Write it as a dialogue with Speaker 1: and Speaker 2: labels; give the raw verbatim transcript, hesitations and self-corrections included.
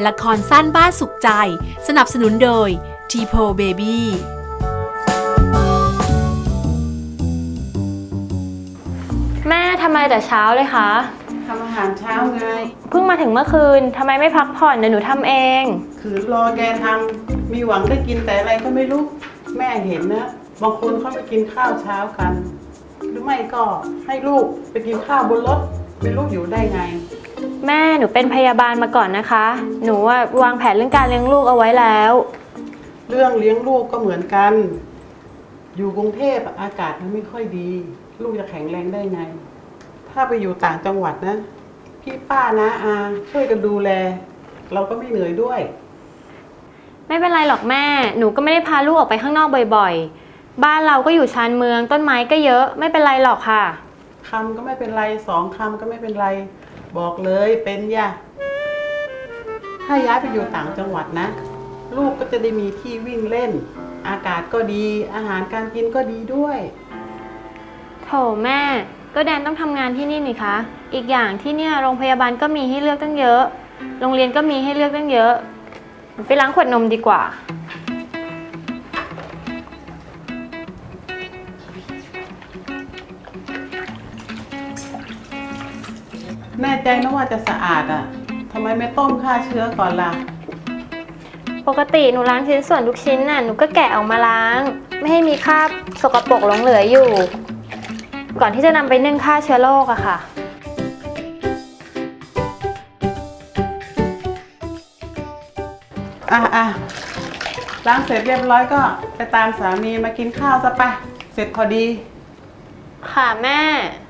Speaker 1: ละครสั้นบ้านสุขใจสนับสนุนโดย ที โพ Baby
Speaker 2: แม่ทำไมแต่เช้าเลยคะ
Speaker 3: ทำอาหารเช้าไง
Speaker 2: เพิ่งมาถึงเมื่อคืนทำไมไม่พักผ่อนเดี๋ยวหนูทำเอง
Speaker 3: คือรอแกทำมีหวังได้กินแต่อะไรก็ไม่รู้แม่เห็นนะบางคนเขาไปกินข้าวเช้ากันหรือไม่ก็ให้ลูกไปกินข้าวบนรถไม่รู้อยู่ได้ไง
Speaker 2: แม่หนูเป็นพยาบาลมาก่อนนะคะหนูว่าวางแผนเรื่องการเลี้ยงลูกเอาไว้แล้ว
Speaker 3: เรื่องเลี้ยงลูกก็เหมือนกันอยู่กรุงเทพอากาศมันไม่ค่อยดีลูกจะแข็งแรงได้ไงถ้าไปอยู่ต่างจังหวัดนะพี่ป้านะอาช่วยกันดูแลเราก็ไม่เหนื่อยด้วย
Speaker 2: ไม่เป็นไรหรอกแม่หนูก็ไม่ได้พาลูกออกไปข้างนอกบ่อยๆบ้านเราก็อยู่ชานเมืองต้นไม้ก็เยอะไม่เป็นไรหรอกค่ะ
Speaker 3: คำก็ไม่เป็นไรสองคำก็ไม่เป็นไรบอกเลยเป็นย่ะถ้าย้ายไปอยู่ต่างจังหวัดนะลูกก็จะได้มีที่วิ่งเล่นอากาศก็ดีอาหารการกินก็ดีด้วย
Speaker 2: โถแม่ก็แดนต้องทำงานที่นี่นี่คะอีกอย่างที่เนี่ยโรงพยาบาลก็มีให้เลือกตั้งเยอะโรงเรียนก็มีให้เลือกตั้งเยอะไปล้างขวดนมดีกว่า
Speaker 3: แน่ใจนะว่าจะสะอาดอ่ะทำไมไม่ต้มฆ่าเชื้อก่อนล่ะ
Speaker 2: ปกติหนูล้างชิ้นส่วนทุกชิ้นน่ะหนูก็แกะออกมาล้างไม่ให้มีคราบสกปรกหลงเหลืออยู่ก่อนที่จะนำไปนึ่งฆ่าเชื้อโรคอะค่ะ
Speaker 3: อ่ะอ่ะล้างเสร็จเรียบร้อยก็ไปตามสามีมากินข้าวซะไปเสร็จพอดี
Speaker 2: ค่ะแม่